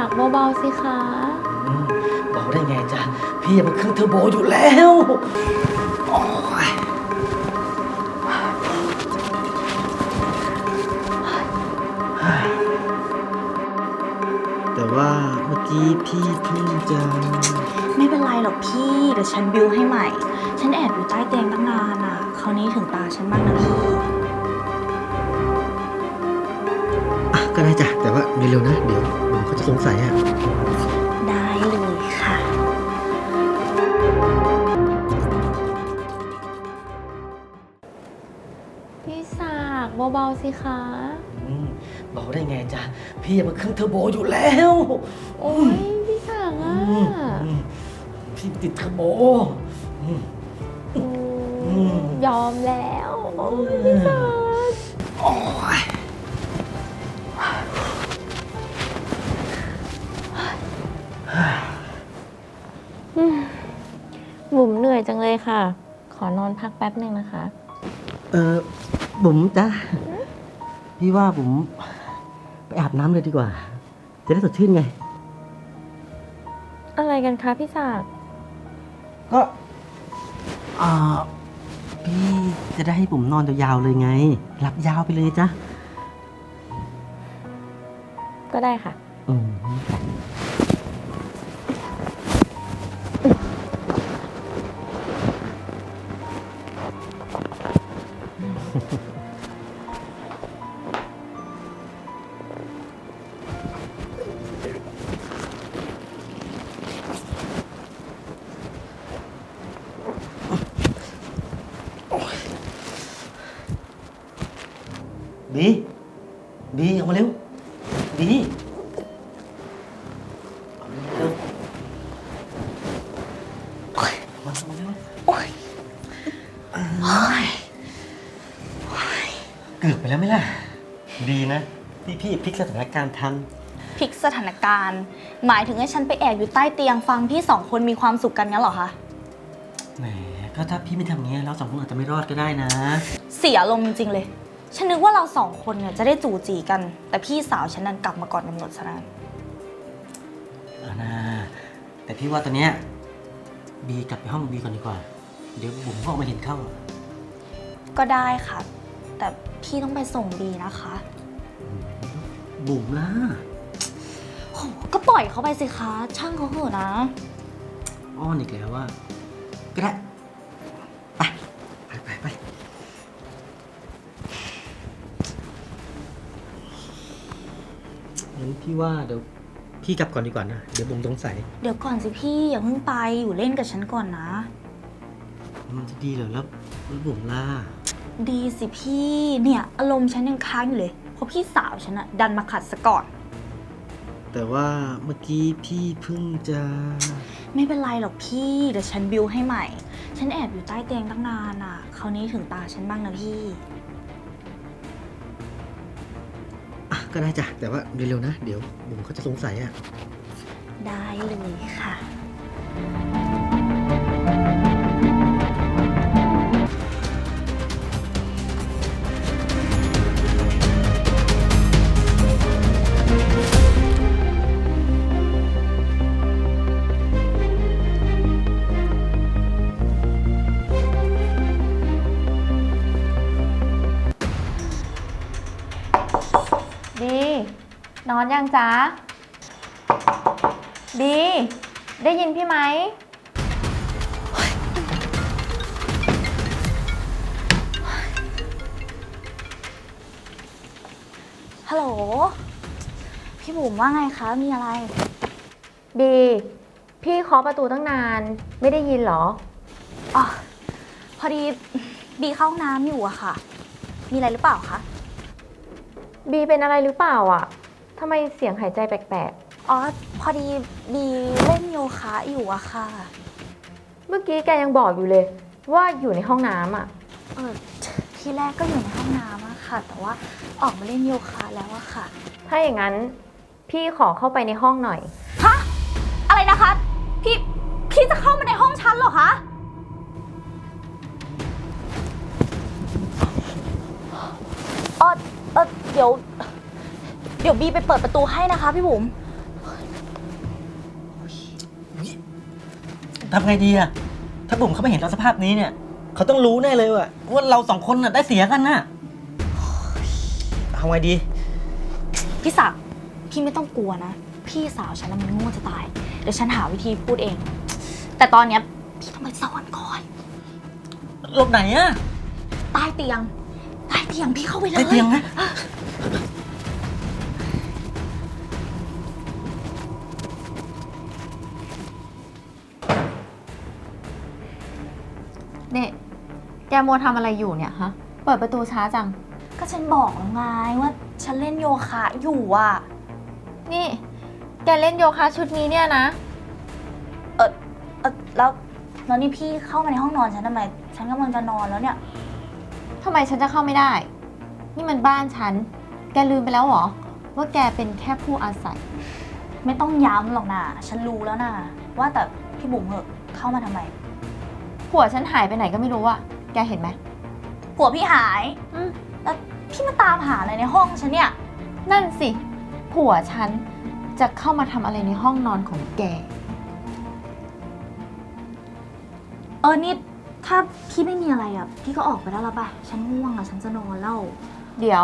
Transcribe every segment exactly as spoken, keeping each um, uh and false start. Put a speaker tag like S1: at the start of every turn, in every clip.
S1: เบาๆสิคะ
S2: อืมเบาได้ไงจ๊ะพี่มันเครื่องเทอร์โบอยู่แล้วโอ้ยแต่ว่าเมื่อกี้พี่เพิ่งจะ
S3: ไม่เป็นไรหรอกพี่เดี๋ยวฉันบิวให้ใหม่ ฉันแอบอยู่ใต้เตียงตั้งนานอ่ะคราวนี้ถึงตาฉันบ้างนะพี่
S2: อ่ะก็ได้จ้ะแต่ว่าเร็วๆนะเดี๋ยวเดี๋ยวเขาจะสงสัยอ่ะ
S3: ได้เลยค่ะ
S1: พี่ศักดิ์เบาๆสิคะ
S2: อืมเบาได้ไงจ๊ะพี่มันเครื่องเทอร์โบอยู่แล้ว
S1: โอ้ยพี่ศักดิ์อ่ะ
S2: อืมอืมพี่ติดเทอร์โบอืม
S1: อืม
S2: อืม
S1: ยอมแล้วโอ้ยพี่ศักดิ์
S2: โอ้ย
S1: อืมบุ๋มเหนื่อยจังเลยค่ะ ขอนอนพักแป๊บหนึ่งนะคะ
S2: เออบุ๋มจ้ะพี่ว่าบุ๋มไปอาบน้ำเลยดีกว่า จะได้สดชื่นไง
S1: อะไรกันคะพี่ศักดิ์
S2: ก็อ่าพี่จะได้ให้บุ๋มนอนยาวๆเลยไง หลับยาวไปเลยจ้ะ
S1: ก็ได้ค่ะ
S2: อืมบีบีออกมาเร็วบีเอาเร็วโอ้ยมาเอามาเร็ว
S3: โอ๊ยโอ๊ย
S2: เกือบไปแล้วไหมล่ะ ดีนะที่พี่พลิกสถานการณ์ทัน
S3: พลิกสถานการณ์ หมายถึงให้ฉันไปแอบอยู่ใต้เตียงฟังพี่สองคนมีความสุขกันงั้นเหรอคะ
S2: แหมก็ถ้าพี่ไม่ทำงี้เราสองคนอาจจะไม่รอดก็ได้นะ
S3: เสียลมณ์จริงๆเลย ฉันนึกว่าเราสองคนเนี่ยจะได้จู่จีกัน แต่พี่สาวฉันนั้นกลับมาก่อนกำหนดซะนั้น
S2: เอานะแต่พี่ว่าตอนเนี้ยบีกลับไปห้องบีก่อนดีกว่า เดี๋ยวบุ๋มก็ออกมาเห็นเข้า
S3: ก็ได้ค่ะ แต่พี่ต้องไปส่งบีนะคะ
S2: บุ๋มล่ะ
S3: โหก็ปล่อยเขาไปสิคะ ช่างเขาเถอะนะ
S2: อ้อนอีกแล้วว่า ก็ได้ ไป ไปไปไปงั้นพี่ว่าเดี๋ยวพี่กลับก่อนดีกว่านะ เดี๋ยวบุ๋มสงสัย
S3: เดี๋ยวก่อนสิพี่อย่าเพิ่งไปอยู่เล่นกับฉันก่อนนะ
S2: มันจะดีเหรอแล้วแล้วบุ๋มล่ะ
S3: ดีสิพี่เนี่ยอารมณ์ฉันยังค้างอยู่เลยเพราะพี่สาวฉันอะดันมาขัดซะก่อน
S2: แต่ว่าเมื่อกี้พี่เพิ่งจะ
S3: ไม่เป็นไรหรอกพี่เดี๋ยวฉันบิวให้ใหม่ ฉันแอบอยู่ใต้เตียงตั้งนานอะคราวนี้ถึงตาฉันบ้างนะพี่
S2: อ่ะก็ได้จ้ะแต่ว่าเร็วๆนะ เดี๋ยวบุ๋มเขาจะสงสัยอ่ะ
S3: ได้เลยค่ะ
S1: ดี นอนยังจ๊ะ ดี ได้ยินพี่ไหม
S3: ฮัลโหลพี่บุ๋มว่าไงคะมีอะไร
S1: บี พี่เคาะประตูตั้งนาน ไม่ได้ยินเหรอ
S3: อ๋อพอดีบีเข้าห้องน้ำอยู่อะค่ะ มีอะไรหรือเปล่าคะ
S1: บีเป็นอะไรหรือเปล่าอ่ะทำไมเสียงหายใจแปลก
S3: อ๋อพอดีบีเล่นโยคะอยู่อะค่ะ
S1: ๆ เมื่อกี้แกยังบอกอยู่เลย ว่าอยู่ในห้องน้ำอ่ะ
S3: เออทีแรกก็อยู่ในห้องน้ำอะค่ะ แต่ว่าออกมาเล่นโยคะแล้วอะค่ะ
S1: ถ้าอย่างนั้นพี่ขอเข้าไปในห้องหน่อย
S3: ฮะ อะไรนะคะ พี่ พี่จะเข้ามาในห้องฉันเหรอคะ เออเออเดี๋ยว เดี๋ยวบีไปเปิดประตูให้นะคะพี่บุ๋ม
S2: ทำไงดีอะถ้าบุ๋มเขาไม่เห็นเราสภาพนี้เนี่ย เขาต้องรู้แน่เลยว่าว่าเราสองคนน่ะได้เสียกันน่ะเอาไงดี
S3: พี่ศักดิ์พี่ไม่ต้องกลัวนะ พี่สาวฉันน่ะมันโง่จะตาย เดี๋ยวฉันหาวิธีพูดเอง แต่ตอนเนี้ยพี่ต้องไปซ่อนก่อน
S2: หลบไหนอะ
S3: ใต้เตียง ใต้เตียงพี่เข้าไปเลย
S2: ใต้เตียงนะ
S1: เนี่ย แกมัวทำอะไรอยู่เนี่ยฮะ เปิดประตูช้าจัง
S3: ก็ฉันบอกแล้วไงว่าฉันเล่นโยคะอยู่อ่ะ
S1: นี่ แกเล่นโยคะชุดนี้เนี่ยนะ
S3: เออเออแล้วแล้วนี่พี่เข้ามาในห้องนอนฉันทำไม ฉันกำลังจะนอนแล้วเนี่ย
S1: ทำไมฉันจะเข้าไม่ได้ นี่มันบ้านฉัน แกลืมไปแล้วเหรอ ว่าแกเป็นแค่ผู้อาศัย
S3: ไม่ต้องย้ำหรอกนะฉันรู้แล้วนะว่าแต่พี่บุ๋มเหอะเข้ามาทำไม
S1: ผัวฉันหายไปไหนก็ไม่รู้อะแกเห็นไหม
S3: ผัวพี่หาย
S1: อืม
S3: แล้วพี่มาตามหาอะไรในห้องฉันเนี่ย
S1: นั่นสิ ผัวฉันจะเข้ามาทำอะไรในห้องนอนของแก
S3: เออนี่ถ้าพี่ไม่มีอะไรอ่ะพี่ก็ออกไปได้แล้วป่ะฉันง่วงอ่ะฉันจะนอนแล้ว
S1: เดี๋ยว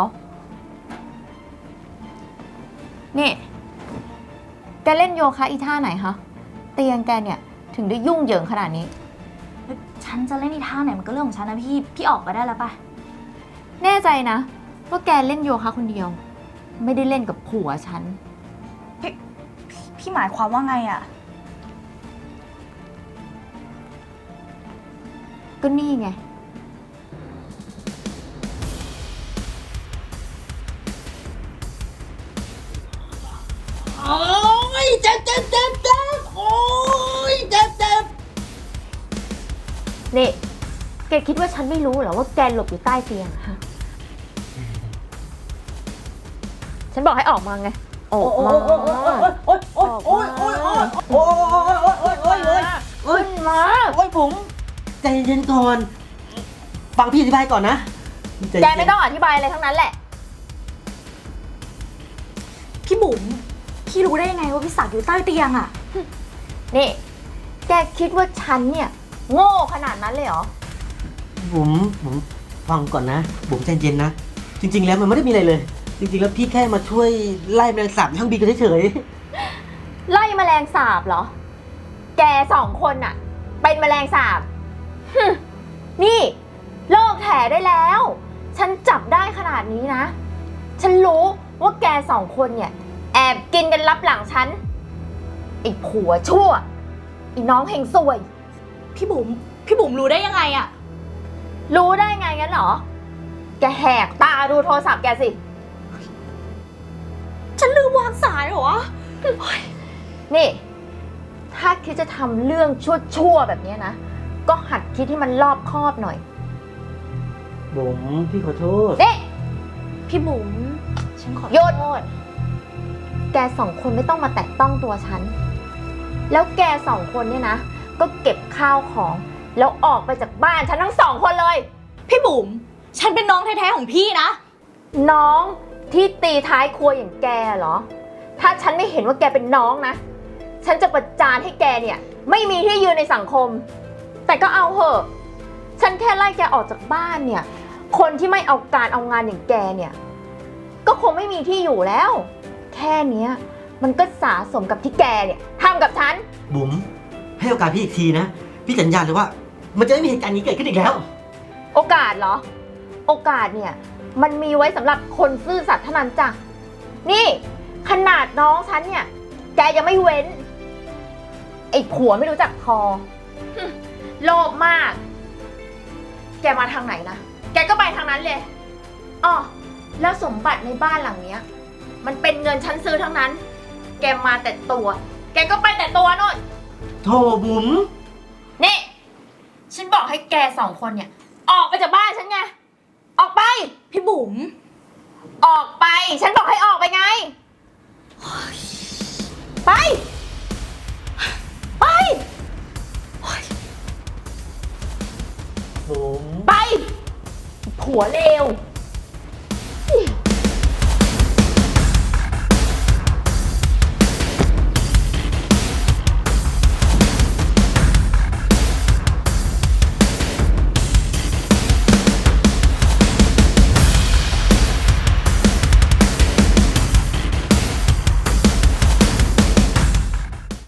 S1: นี่ แกเล่นโยคะอีท่าไหนคะเตียงแกเนี่ยถึงได้ยุ่งเหยิงขนาดนี้
S3: ฉันจะเล่นอีท่าไหนมันก็เรื่องของฉันนะพี่พี่ออกไปได้แล้วป่ะ
S1: แน่ใจนะว่าแกเล่นโยคะคนเดียว ไม่ได้เล่นกับผัวฉัน
S3: พี่พี่หมายความว่าไงอ่ะ
S1: ก็นี่ไง
S2: โอ้ยเจ็บเจ็บเจ็บเจ็บโอ้ยเจ็บเจ็บ
S1: นี่ แกคิดว่าฉันไม่รู้เหรอว่าแกหลบอยู่ใต้เตียงอะฮะ ฉันบอกให้ออกมาไง ออกมา
S2: โอ้ยโอ้ยโอ้ยโอ้ยโอ้ยโอ้ยโอ้ยโอ้ยโอ้ยโอ้ยโอ้ยโอ้ย
S1: ขึ้นมา
S2: โอ้ยผมใจเย็นก่อน ฟังพี่อธิบายก่อนนะใจเย็น
S1: แกไม่ต้องอธิบายอะไรทั้งนั้นแหละ
S3: พี่บุ๋มพี่รู้ได้ยังไงว่าพี่ศักดิ์อยู่ใต้เตียงอ่ะ
S1: นี่ แกคิดว่าฉันเนี่ย โง่ขนาดนั้นเลยเหรอ
S2: บุ๋มบุ๋มฟังก่อนนะบุ๋มใจเย็นนะ จริง ๆ แล้วมันไม่ได้มีอะไรเลย จริง ๆ แล้วพี่แค่มาช่วยไล่แมลงสาบในห้องบีกันเฉย
S1: ไล่แมลงสาบเหรอ แกสองคนน่ะ เป็นแมลงสาบฮึ่มนี่เลิกแถได้แล้ว ฉันจับได้ขนาดนี้นะ ฉันรู้ว่าแกสองคนเนี่ย แอบกินกันลับหลังฉันไอ้ผัวชั่วไอ้น้องเฮงซวย
S3: พี่บุ๋มพี่บุ๋มรู้ได้ยังไงอ่ะ
S1: รู้ได้ไงงั้นเหรอ แกแหกตาดูโทรศัพท์แกสิ
S3: ฉันลืมวางสายเหรอวะ
S1: นี่ ถ้าคิดจะทำเรื่องชั่วๆแบบนี้นะ ก็หัดคิดให้มันรอบคอบหน่อย
S2: ๆบุ๋มพี่ขอโทษ
S1: นี่
S3: พี่บุ๋มฉันขอ
S1: หยุด
S3: โทษ
S1: แกสองคนไม่ต้องมาแตะต้องตัวฉัน แล้วแกสองคนเนี่ยนะ ก็เก็บข้าวของ แล้วออกไปจากบ้านฉันทั้งสองคนเลย
S3: พี่บุ๋มฉันเป็นน้องแท้ๆของพี่นะ
S1: น้องที่ตีท้ายครัวอย่างแกเหรอ ถ้าฉันไม่เห็นว่าแกเป็นน้องนะ ฉันจะประจานให้แกเนี่ย ไม่มีที่ยืนในสังคม แต่ก็เอาเหอะ ฉันแค่ไล่แกออกจากบ้านเนี่ย คนที่ไม่เอาการเอางานอย่างแกเนี่ย ก็คงไม่มีที่อยู่แล้ว แค่เนี้ยมันก็สะสมกับที่แกเนี่ยทำกับฉัน
S2: บุ๋มให้โอกาสพี่อีกทีนะ พี่สัญญาเลยว่า มันจะไม่มีเหตุการณ์นี้เกิดขึ้นอีกแล้ว
S1: โอกาสเหรอ โอกาสเนี่ย มันมีไว้สำหรับคนซื่อสัตย์เท่านั้นจ้ะ นี่ขนาดน้องฉันเนี่ย แกยังไม่เว้น ไอ้ผัวไม่รู้จักพอหึโลภมาก แกมาทางไหนนะ แกก็ไปทางนั้นเลยอ๋อแล้วสมบัติในบ้านหลังเนี้ย มันเป็นเงินฉันซื้อทั้งนั้น แกมาแต่ตัว แกก็ไปแต่ตัวโน่น
S2: โธ่บุ๋ม
S1: นี่ ฉันบอกให้แกสองคนเนี่ย ออกไปจากบ้านฉันไง ออกไป
S3: พี่บุ๋ม
S1: ออกไป ฉันบอกให้ออกไปไง ไป ไป
S2: บุ๋ม
S1: ไป ผัวเลว